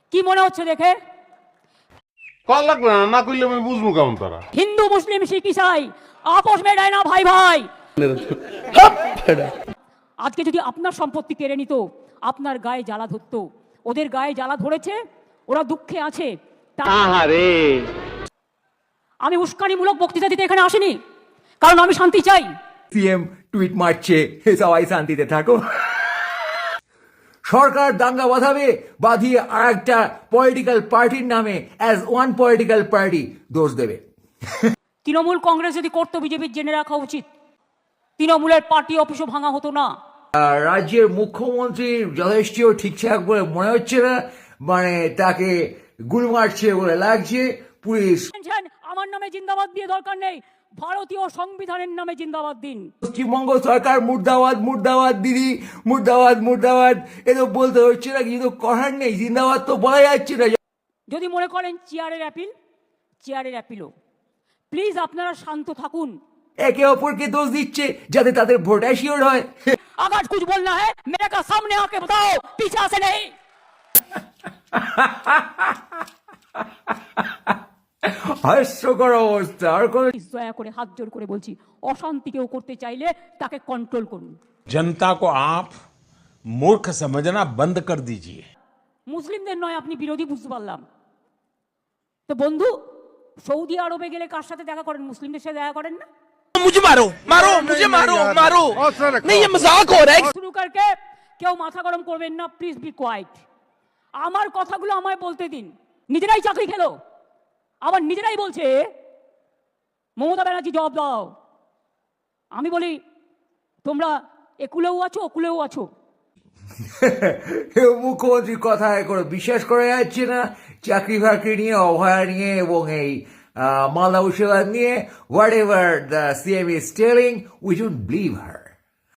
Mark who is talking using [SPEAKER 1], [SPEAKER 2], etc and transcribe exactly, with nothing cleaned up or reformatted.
[SPEAKER 1] কি মনে হচ্ছে দেখে?
[SPEAKER 2] কল লাগবে না, না করলে আমি বুঝবো কেমন তারা।
[SPEAKER 1] হিন্দু মুসলিম শিখ ইসাই আপোষ মেটায় না ভাই ভাই। আজকে যদি আপনার সম্পত্তি কেড়ে নিত, আপনার গায়ে জ্বালা ধরতো, ওদের গায়ে জ্বালা ধরেছে, ওরা দুঃখে আছে। আমি উস্কানিমূলক বক্তৃতা দিতে এখানে আসিনি, কারণ আমি শান্তি চাই।
[SPEAKER 3] সিএম টুইট মারছে সবাই শান্তিতে থাকো। সরকার দাঙ্গা বাঁধাবে, বাঁধিয়ে আর একটা পলিটিক্যাল পার্টির নামে অ্যাজ ওয়ান পলিটিক্যাল পার্টি দোষ দেবে।
[SPEAKER 1] তৃণমূল কংগ্রেস যদি করতো, বিজেপির জেনে রাখা উচিত তৃণমূলের পার্টি অফিসও ভাঙা হতো না।
[SPEAKER 3] রাজ্যের মুখ্যমন্ত্রীর যথেষ্ট ঠিকঠাক বলে মনে হচ্ছে না, মানে তাকে গুলি মারছে বলে লাগছে। পুলিশ
[SPEAKER 1] আমার নামে জিন্দাবাদ দিয়ে দরকার নেই, ভারতীয় সংবিধানের নামে জিন্দাবাদ দিন।
[SPEAKER 3] পশ্চিমবঙ্গ সরকার মুর্দাবাদ মুর্দাবাদ দিদি মুর্দাবাদ মুর্দাবাদ এ তো বলতে হচ্ছে না, কিছু তো করার নেই, জিন্দাবাদ তো বলা যাচ্ছে না।
[SPEAKER 1] যদি মনে করেন চেয়ারের অ্যাপিল, চেয়ারের অ্যাপিলও, প্লিজ আপনারা শান্ত থাকুন।
[SPEAKER 3] একে অপরকে দোষ দিচ্ছে যাতে তাদের ভোট অ্যাসিওর হয়।
[SPEAKER 1] আগাজ কুছ বলনা হ্যায় মেরে কা সামনে আকে বাতাও, পিছা সে নেই।
[SPEAKER 3] হাস্যকর অবস্থা। আর কোন
[SPEAKER 1] দয়া করে হাত জোর করে বলছি, অশান্তি কেউ করতে চাইলে তাকে কন্ট্রোল করুন।
[SPEAKER 4] जनता को आप मूर्ख समझना बंद कर दीजिए।
[SPEAKER 1] মুসলিমদের নয়, আপনি বিরোধী বুঝতে পারলাম। তো বন্ধু, সৌদি আরবে গেলে কার সাথে দেখা করেন? মুসলিমদের সাথে দেখা করেন না?
[SPEAKER 5] मुझे मारो मारो मुझे मारो मारो नहीं ये मजाक हो रहा है।
[SPEAKER 1] শুরু করকে কেউ মাথা গরম করবেন না, প্লিজ বি কোয়াইট। আমার কথাগুলো আমায় বলতে দিন। নিজেরাই চাকরি খেলো, আবার নিজেরাই বলছে মমতা ব্যানার্জি জবাব দাও। আমি বলি তোমরা একুলেও আছো, ওকুলেও আছো।
[SPEAKER 3] মুখ্যমন্ত্রীর কথা করে বিশ্বাস করা যাচ্ছে না। চাকরি বাকরি নিয়ে, অভয়া নিয়ে এবং এই মালদা মুর্শিদাবাদ নিয়ে, whatever the CM is telling, we don't believe her.